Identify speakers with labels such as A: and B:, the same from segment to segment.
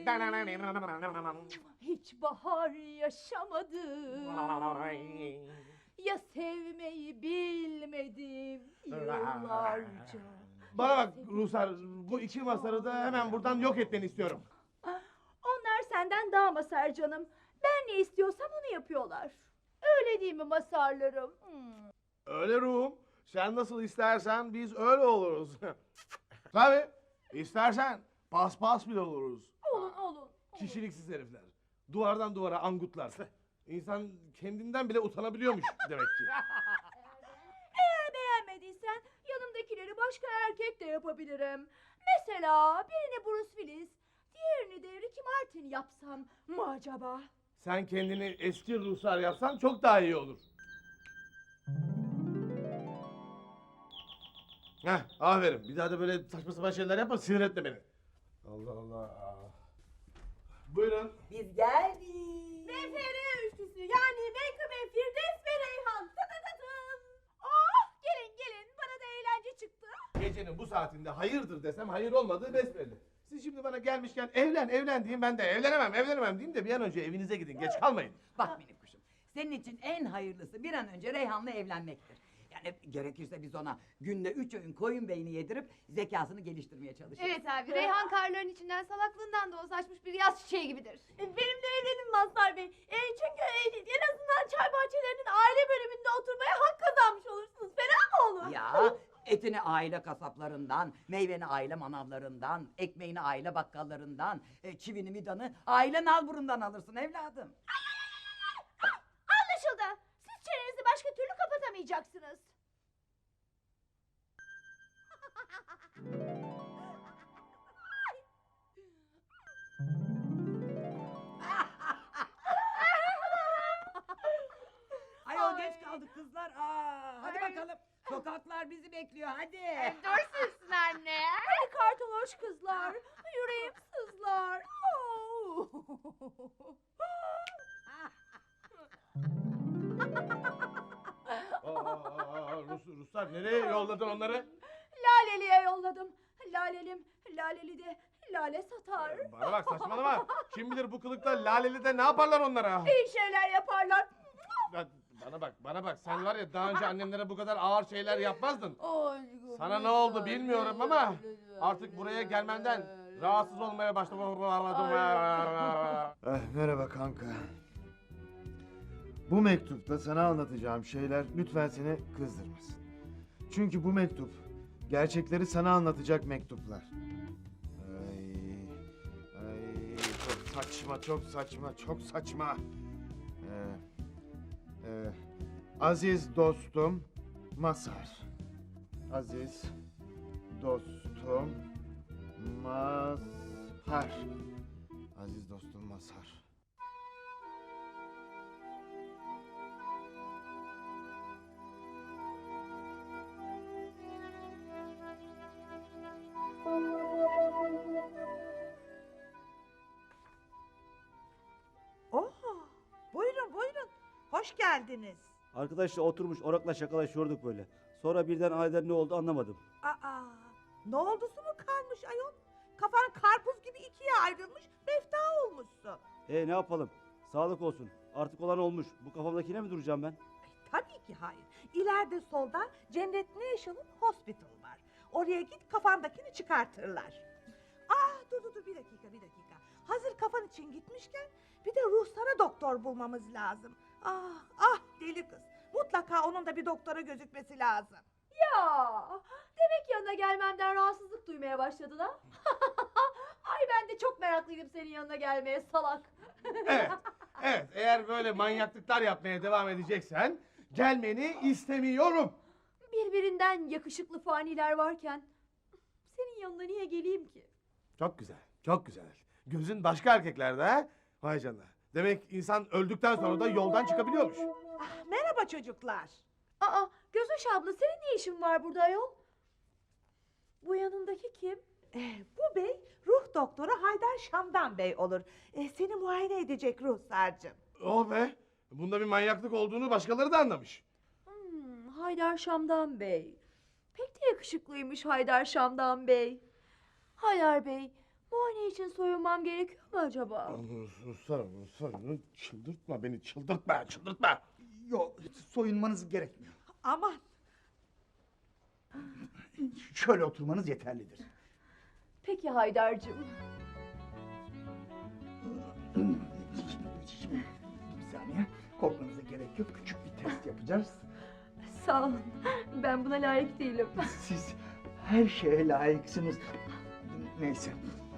A: Hiç bahar yaşamadım. Ya sevmeyi bilmedim yıllarca.
B: Bana bak Rusar, bu iki masarı da hemen buradan yok etmeni istiyorum.
A: Onlar senden daha masar canım. Ben ne istiyorsam onu yapıyorlar. Öyle değil mi masarlarım?
B: Öyle ruhum. Sen nasıl istersen biz öyle oluruz. Tabii. İstersen paspas bile oluruz.
A: Olun.
B: Kişiliksiz herifler. Duvardan duvara angutlar. İnsan kendinden bile utanabiliyormuş demek ki.
A: Eğer beğenmediysen yanımdakileri başka erkek de yapabilirim. Mesela birini Bruce Willis, diğerini de Ricky Martin yapsam mı acaba?
B: Sen kendini eski Ruslar yapsan çok daha iyi olur. Heh, aferin. Bir daha da böyle saçma sapan şeyler yapma, sinir etme beni. Allah Allah. Buyurun.
C: Biz geldik.
A: Mefere üçlüsü yani Menkıbe, Firdevs ve Reyhan. Tadadadım. Oh gelin bana da eğlence çıktı.
B: Gecenin bu saatinde hayırdır desem hayır olmadığı besbelli. Siz şimdi bana gelmişken evlen diyeyim, ben de evlenemem diyeyim de bir an önce evinize gidin, geç kalmayın.
C: Bak benim kuşum. Senin için en hayırlısı bir an önce Reyhan'la evlenmektir. Yani gerekirse biz ona günde 3 öğün koyun beyni yedirip zekasını geliştirmeye çalışırız.
D: Evet abi, Reyhan karların içinden salaklığından da o saçmış bir yaz çiçeği gibidir.
A: Benimle evlenin Mazhar Bey. Çünkü en azından çay bahçelerinin aile bölümünde oturmaya hak kazanmış olursunuz. Fena mı olur?
C: Ya etini aile kasaplarından, meyveni aile manavlarından, ekmeğini aile bakkallarından, çivini midanı aile nalburundan alırsın evladım.
A: Anlaşıldı. Siz çenenizi başka türlü kapatamayacaksınız.
C: Ayol geç kaldık kızlar. Hadi bakalım. Sokaklar bizi bekliyor hadi.
D: Dursunsun anne.
A: Hadi kartoloş kızlar. Yüreğim sızlar.
B: Ruslar nereye yolladın onları?
A: Laleli'ye yolladım. Laleli de lale satar.
B: Bana bak, saçmalama. Kim bilir bu kılıkta Laleli'de ne yaparlar onlara?
A: İyi şeyler yaparlar.
B: Bana bak. Sen var ya, daha önce annemlere bu kadar ağır şeyler yapmazdın. Sana ne oldu bilmiyorum ama artık buraya gelmenden rahatsız olmaya başladım.
E: Merhaba kanka. Bu mektupta sana anlatacağım şeyler lütfen seni kızdırmasın. Çünkü bu mektup gerçekleri sana anlatacak mektuplar. Ay, çok saçma. Aziz dostum Mazhar. Aziz dostum Mazhar. Aziz dostum Mazhar.
F: Buyurun. Hoş geldiniz.
G: Arkadaşla oturmuş orakla şakalaşıyorduk böyle. Sonra birden aniden ne oldu anlamadım.
F: Ne oldusu mu kalmış ayol? Kafan karpuz gibi ikiye ayrılmış, mefta olmuşsun.
G: Ne yapalım? Sağlık olsun. Artık olan olmuş. Bu kafamdakine mi duracağım ben?
F: Tabii ki hayır. İleride solda Cennet National Hospital var. Oraya git kafandakini çıkartırlar. Dur bir dakika. Hazır kafan için gitmişken bir de ruhsara doktor bulmamız lazım. Deli kız. Mutlaka onun da bir doktora gözükmesi lazım.
A: Ya demek yanına gelmemden rahatsızlık duymaya başladın ha? Ay ben de çok meraklıydım senin yanına gelmeye salak.
B: Evet, eğer böyle manyaklıklar yapmaya devam edeceksen gelmeni istemiyorum.
A: Birbirinden yakışıklı faniler varken senin yanına niye geleyim ki?
B: Çok güzel. Gözün başka erkeklerde ha? Vay canına. Demek insan öldükten sonra da yoldan çıkabiliyormuş.
F: Merhaba çocuklar.
A: Gözüş abla senin ne işin var burada ayol? Bu yanındaki kim?
F: Bu bey ruh doktoru Haydar Şamdan Bey olur. Seni muayene edecek ruhsarcığım.
B: Oh be! Bunda bir manyaklık olduğunu başkaları da anlamış.
A: Haydar Şamdan Bey. Pek de yakışıklıymış Haydar Şamdan Bey. Haydar Bey, Muayene için soyunmam gerekiyor mu acaba?
B: Sarı, çıldırtma beni, çıldırtma.
H: Yok, soyunmanız gerekmiyor.
F: Aman.
H: Şöyle oturmanız yeterlidir.
A: Peki Haydar'cığım.
H: Bir saniye, korkmanıza gerek yok. Küçük bir test yapacağız.
A: Sağ olun. Ben buna layık değilim.
H: Siz her şeye layıksınız. Neyse.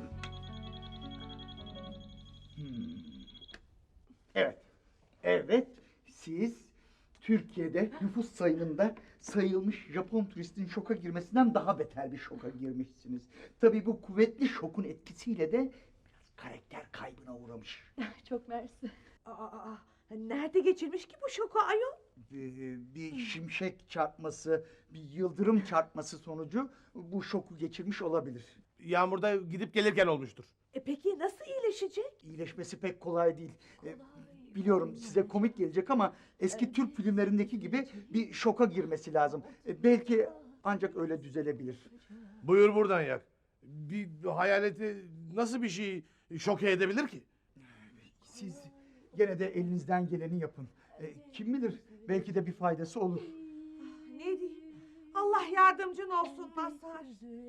H: Evet. Evet, siz Türkiye'de nüfus sayımında sayılmış Japon turistin şoka girmesinden daha beter bir şoka girmişsiniz. Tabii bu kuvvetli şokun etkisiyle de biraz karakter kaybına uğramış.
A: Çok mersi.
F: Nerede geçirmiş ki bu şoku ayol?
H: Bir şimşek çarpması, bir yıldırım çarpması sonucu bu şoku geçirmiş olabilir.
B: Yağmurda gidip gelirken olmuştur.
F: Peki nasıl iyileşecek?
H: İyileşmesi pek kolay değil. Biliyorum size komik gelecek ama eski Türk filmlerindeki gibi bir şoka girmesi lazım. Belki ancak öyle düzelebilir.
B: Buyur buradan yak. Bir hayaleti nasıl bir şey şoke edebilir ki?
H: Siz gene de elinizden geleni yapın. Kim bilir belki de bir faydası olur.
F: Ne diyeyim? Allah yardımcın olsun Mazhar.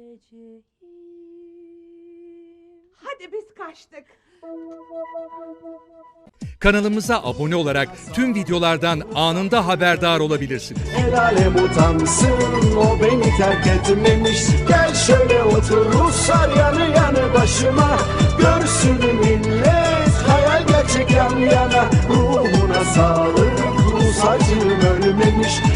F: Hadi biz kaçtık.
I: Kanalımıza abone olarak tüm videolardan anında haberdar olabilirsiniz.
J: El alem utansın, o beni terk etmemiş. Gel şöyle otur Ruslar yanı yanı başıma. Görsün millet hayal gerçek yan yana. Ruhuna sağlık, Rus acım ölmemiş.